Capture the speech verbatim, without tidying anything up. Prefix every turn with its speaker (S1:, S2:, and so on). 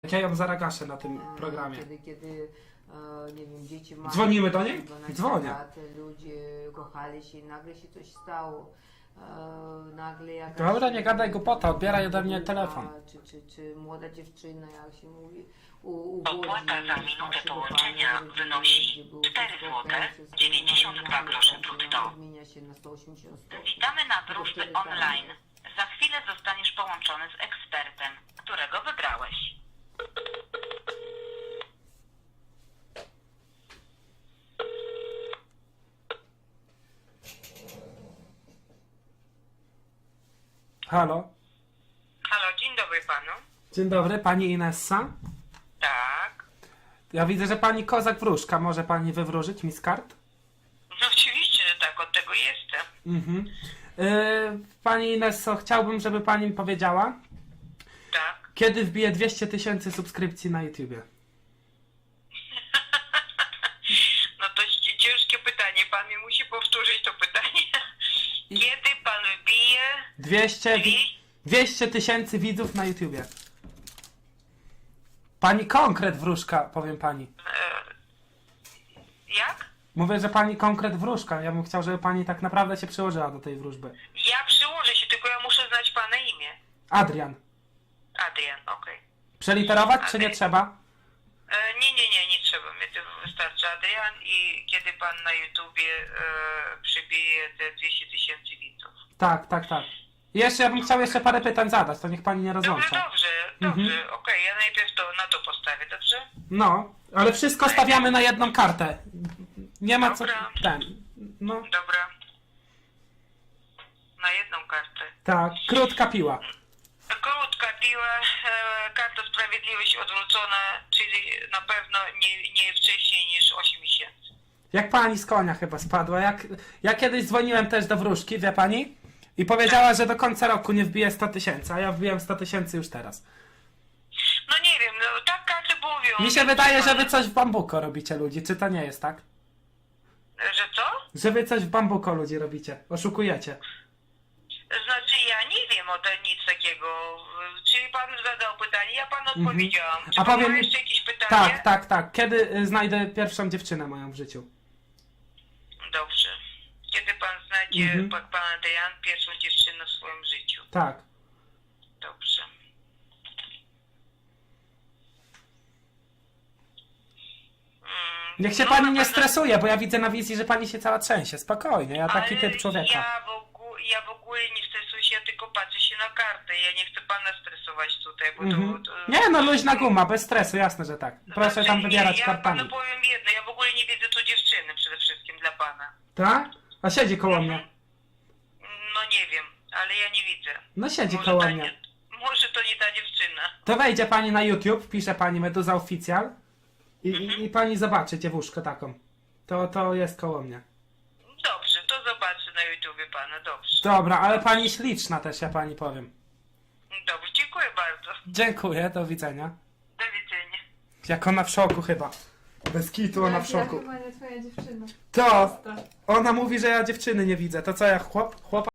S1: Ja ją zaragaszę na tym programie.
S2: Kiedy, kiedy e, nie wiem, dzieci mają
S1: Dzwonimy do niej?
S2: dwanaście
S1: Dzwonię.
S2: lat, ludzie kochali się i nagle się coś stało. E, nagle jakaś...
S1: Dobra, nie gadaj głupota, odbieraj ode mnie telefon.
S2: Czy, czy, czy młoda dziewczyna, jak się mówi, u, u
S3: Opłata za minutę połączenia wynosi cztery złote dziewięćdziesiąt dwa grosze brutto.
S2: Zmienia się na sto osiemdziesiąt stopni.
S3: Witamy na wróżby online. Za chwilę zostaniesz połączony z ekspertem, którego wybrałeś.
S1: Halo?
S3: Halo, dzień dobry panu.
S1: Dzień dobry, pani Inessa?
S3: Tak.
S1: Ja widzę, że pani Kozak Wróżka. Może pani wywróżyć mi z kart?
S3: No oczywiście, że tak, od tego jestem.
S1: Mhm. Yy, pani Inesso, chciałbym, żeby pani mi powiedziała,
S3: Tak.
S1: kiedy wbije dwieście tysięcy subskrypcji na YouTubie.
S3: No to ci- ciężkie pytanie, pan mi musi powtórzyć to pytanie. Kiedy pan wbije
S1: dwieście
S3: dwie-
S1: dwieście tysięcy widzów na YouTubie. Pani konkret Wróżka, powiem pani.
S3: Jak?
S1: Mówię, że pani konkret Wróżka. Ja bym chciał, żeby pani tak naprawdę się przyłożyła do tej wróżby.
S3: Ja przyłożę się, tylko ja muszę znać pana imię.
S1: Adrian.
S3: Adrian, okej.
S1: Przeliterować, czy nie
S3: Adrian.
S1: trzeba?
S3: E, Nie, nie, nie, nie trzeba. Mnie to wystarczy Adrian i kiedy pan na YouTubie e, przybije te dwieście tysięcy widzów.
S1: Tak, tak, tak. I jeszcze ja bym chciał jeszcze parę pytań zadać, to niech pani nie
S3: Dobrze,
S1: rozłącza.
S3: dobrze, dobrze,
S1: Mhm.
S3: okej, ja najpierw to na to postawię, dobrze?
S1: No, ale wszystko stawiamy na jedną kartę. Nie ma co...
S3: Dobra.
S1: Ten. No,
S3: Dobra. Na jedną kartę.
S1: tak, krótka piła.
S3: Krótka piła, e, karta sprawiedliwość odwrócona, czyli na pewno nie, nie wcześniej niż osiem miesięcy.
S1: Jak pani z konia chyba spadła. Jak... Ja kiedyś dzwoniłem też do wróżki, wie pani? I powiedziała, że do końca roku nie wbije sto tysięcy, a ja wbiłem sto tysięcy już teraz.
S3: No nie wiem, no tak karty mówią.
S1: Mi się wydaje, że wy coś w bambuko robicie ludzi, czy to nie jest tak?
S3: Że co?
S1: Że wy coś w bambuko ludzi robicie, oszukujecie.
S3: Znaczy ja nie wiem o tym nic takiego. Czyli pan zadał pytanie, ja panu odpowiedziałam. Czy
S1: A
S3: pan
S1: powiem
S3: ma
S1: mi-
S3: jeszcze jakieś pytanie?
S1: Tak, tak, tak. Kiedy y, znajdę pierwszą dziewczynę moją w życiu?
S3: Dobrze. Kiedy pan znajdzie,
S1: Mhm.
S3: pan, pan Adrian, pierwszą dziewczynę w swoim życiu?
S1: Tak.
S3: Dobrze. Mm,
S1: Niech się
S3: no,
S1: pani
S3: na
S1: nie
S3: pewno-
S1: stresuje, bo ja widzę na wizji, że pani się cała trzęsie. Spokojnie, ja taki
S3: Ale
S1: typ człowieka.
S3: Ja w, ogóle, ja w ogóle nie stresuję się, ja tylko patrzę się na kartę. Ja nie chcę pana stresować tutaj, bo
S1: Mhm.
S3: to, to...
S1: Nie no, luźna guma, bez stresu, jasne, że tak. Proszę
S3: Znaczy,
S1: tam wybierać
S3: nie, ja
S1: kartami.
S3: panu powiem jedno, ja w ogóle nie widzę tu dziewczyny przede wszystkim dla pana.
S1: Tak? A siedzi koło mnie.
S3: No nie wiem, ale ja nie widzę.
S1: No siedzi
S3: Może
S1: koło
S3: ta
S1: mnie.
S3: nie- Może to nie ta dziewczyna.
S1: To wejdzie pani na YouTube, pisze pani Meduza Oficjal i, i, i pani zobaczy dziewuszkę taką. To, to jest koło mnie.
S3: Dobrze, to zobaczę na YouTubie pana, dobrze.
S1: Dobra, ale pani śliczna też, ja pani powiem.
S3: Dobrze, dziękuję bardzo.
S1: Dziękuję, do widzenia.
S3: Do widzenia.
S1: Jak ona w szoku chyba. Bez kitu ona w
S4: Ja
S1: szoku.
S4: chyba nie twoja dziewczyna.
S1: To, ona mówi, że ja dziewczyny nie widzę. To co, ja chłop, chłopa